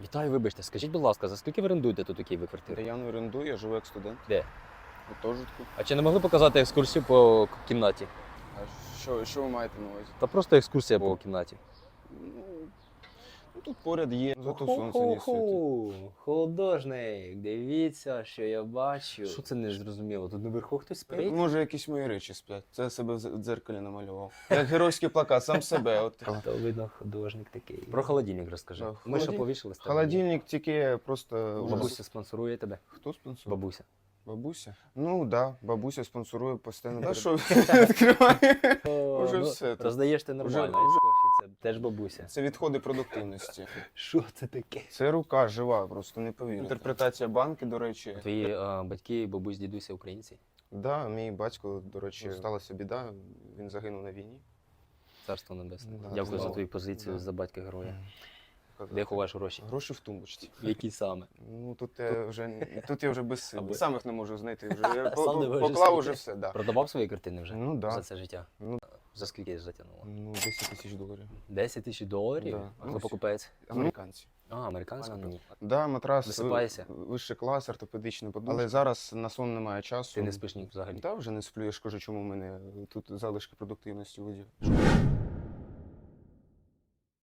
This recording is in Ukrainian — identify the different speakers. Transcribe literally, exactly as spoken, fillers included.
Speaker 1: Вітаю, вибачте, скажіть, будь ласка, за скільки ви орендуєте тут у Києві
Speaker 2: Та
Speaker 1: квартиру?
Speaker 2: я не орендую, я живу як студент.
Speaker 1: Де?
Speaker 2: У гуртожитку.
Speaker 1: А чи не могли показати екскурсію по к- кімнаті?
Speaker 2: А що, що ви маєте на увазі?
Speaker 1: Та просто екскурсія по кімнаті.
Speaker 2: Ну, ну, тут поряд є, зато сонце не світить.
Speaker 1: Хо-хо-хо, художник, дивіться, що я бачу. Що це не зрозуміло? Тут наверху хтось спить?
Speaker 2: Може, якісь мої речі сплять. Це я себе в з- в дзеркалі намалював. Як геройський плакат, сам себе. От.
Speaker 1: То видно, художник такий. Про холодильник розкажи.
Speaker 2: Да,
Speaker 1: Ми що
Speaker 2: холодильник-
Speaker 1: повішали з тебе?
Speaker 2: Холодильник тільки просто... вже-
Speaker 1: Бабуся спонсорує тебе?
Speaker 2: Хто спонсорує?
Speaker 1: Бабуся.
Speaker 2: Бабуся? Ну, так, да, бабуся спонсорує постійно. Та що, відкриває? Уже
Speaker 1: ну,
Speaker 2: все тут.
Speaker 1: Роздаєш ти нормально,
Speaker 2: Уже-
Speaker 1: а
Speaker 2: уже-
Speaker 1: кофі це теж бабуся.
Speaker 2: Це відходи продуктивності.
Speaker 1: Що це таке?
Speaker 2: Це рука жива, просто не повірите. Інтерпретація банки, до речі.
Speaker 1: Твої а, батьки, бабусь, дідуся українці?
Speaker 2: Да, мій батько, до речі, сталася біда, він загинув на війні.
Speaker 1: Царство небесне.
Speaker 2: Да,
Speaker 1: Дякую за
Speaker 2: слава.
Speaker 1: твою позицію
Speaker 2: Да.
Speaker 1: за батька героя. Де ховаєш гроші?
Speaker 2: Гроші в тумбочці.
Speaker 1: Які саме?
Speaker 2: Ну тут я вже тут я вже без сил.
Speaker 1: Або-
Speaker 2: Сам їх не можу знайти. Вже я по-
Speaker 1: Сам не
Speaker 2: по-
Speaker 1: можеш
Speaker 2: поклав
Speaker 1: знайти.
Speaker 2: уже все, да.
Speaker 1: Продавав свої картини вже
Speaker 2: Ну да.
Speaker 1: за це життя?
Speaker 2: Ну,
Speaker 1: За скільки затягнуло?
Speaker 2: ну десять тисяч доларів.
Speaker 1: десять тисяч доларів?
Speaker 2: Да.
Speaker 1: А
Speaker 2: Ну,
Speaker 1: хто
Speaker 2: всі.
Speaker 1: покупець?
Speaker 2: Американці.
Speaker 1: А, американська?
Speaker 2: Ага.
Speaker 1: Ні.
Speaker 2: Да, матрас
Speaker 1: Висипаєшся?
Speaker 2: ви- вищий клас, ортопедичний подушка. Але зараз на сон немає часу.
Speaker 1: Ти не спиш ні взагалі?
Speaker 2: Та вже не сплю, я ж кажу, чому в мене тут залишки продуктивності у воді.